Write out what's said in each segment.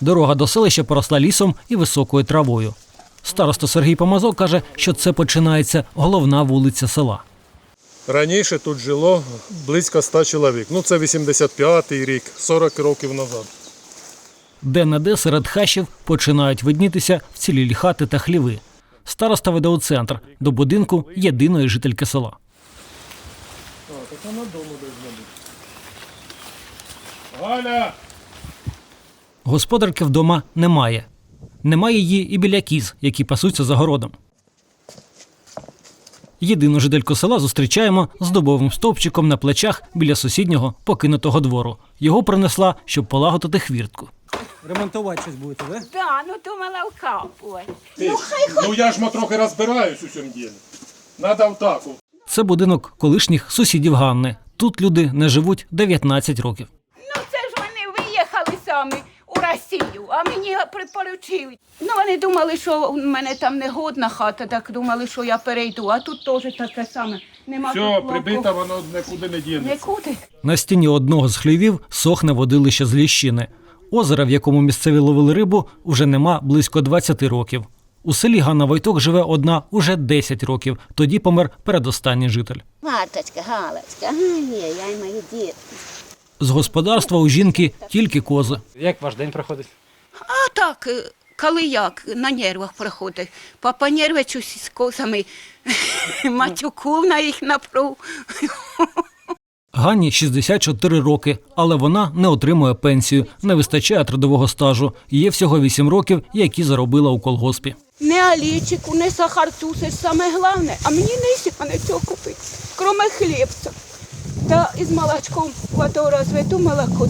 Дорога до селища поросла лісом і високою травою. Староста Сергій Помазок каже, що це починається головна вулиця села. Раніше тут жило близько 100 чоловік. Це 85-й рік, 40 років назад. Де-не-де серед хащів починають виднітися вцілілі хати та хліви. Староста веде у центр, до будинку єдиної жительки села. Так вона дому десь буде. Галя! Господарки вдома немає. Немає її і біля кіз, які пасуться за городом. Єдину жительку села зустрічаємо з дубовим стовпчиком на плечах біля сусіднього покинутого двору. Його принесла, щоб полагодити хвіртку. Ремонтувати щось будете, так? Да, думала вкапувати. Я ж трохи розбираюсь у цьому ділі. Надо втаку. Це будинок колишніх сусідів Ганни. Тут люди не живуть 19 років. Це ж вони виїхали самі у Росію, а мені припоручили. Вони думали, що в мене там негодна хата, так думали, що я перейду, а тут теж таке саме. Нема Все, тут прибита, воно нікуди не дінеться. Нікуди. На стіні одного з хлівів сохне водилище з ліщини. Озера, в якому місцеві ловили рибу, уже нема близько 20 років. У селі Ганна Войток живе одна уже 10 років. Тоді помер передостанній житель. Маточка, Галочка, ні, я й мої дітки. З господарства у жінки тільки кози. Як ваш день проходить? А так, коли як, на нервах проходить. Папа нервичусь з козами, матюку на їх напруг. Ганні 64 роки, але вона не отримує пенсію, не вистачає трудового стажу. Є всього 8 років, які заробила у колгоспі. Не олійчику, не сахарцу, це ж саме головне. А мені не нічого купити, крім хлібця. Та із молочком воду розведу молоко.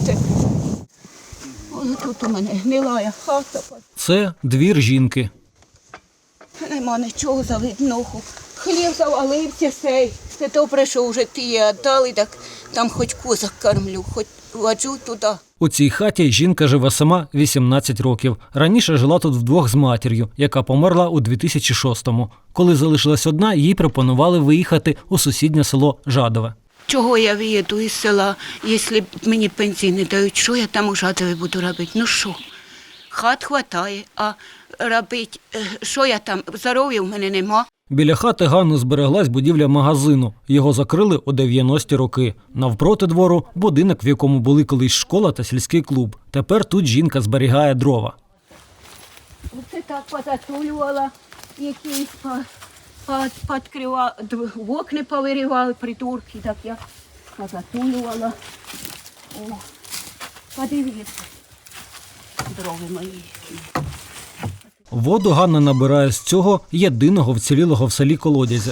Тут у мене гнилая хата. Це двір жінки. Нема нічого завидного. Хліб завалився сей. Це добре, що вже ті віддали, так там хоч козак кормлю, хоч воджу туди. У цій хаті жінка живе сама 18 років. Раніше жила тут вдвох з матір'ю, яка померла у 2006-му. Коли залишилась одна, їй пропонували виїхати у сусіднє село Жадове. Чого я виїду із села, якщо мені пенсії не дають, що я там у Жадові буду робити? Ну що? Хат хватає, а робити, що я там, здоров'я в мене нема. Біля хати Ганни збереглась будівля магазину. Його закрили у 90-ті роки. Навпроти двору – будинок, в якому були колись школа та сільський клуб. Тепер тут жінка зберігає дрова. Оце так позатулювала, якісь підкривала, вікна повиривали, придурки, так я позатулювала. О, подивіться, дрови мої. Воду Ганна набирає з цього єдиного вцілілого в селі колодязя.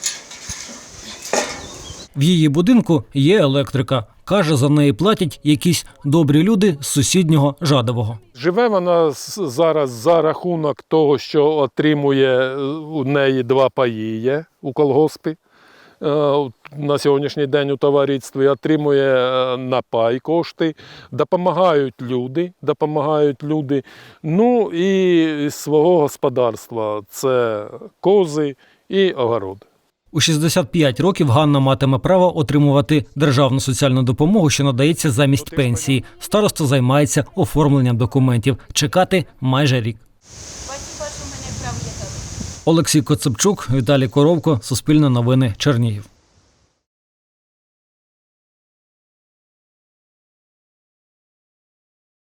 В її будинку є електрика. Каже, за неї платять якісь добрі люди з сусіднього Жадового. Живе вона зараз за рахунок того, що отримує у неї 2 паї є у колгоспі. На сьогоднішній день у товаристві отримує на пай кошти, допомагають люди. Ну і з свого господарства це кози і огород. У 65 років Ганна матиме право отримувати державну соціальну допомогу, що надається замість пенсії. Староста займається оформленням документів. Чекати майже рік. Олексій Коцепчук, Віталій Коровко, Суспільне новини, Чернігів.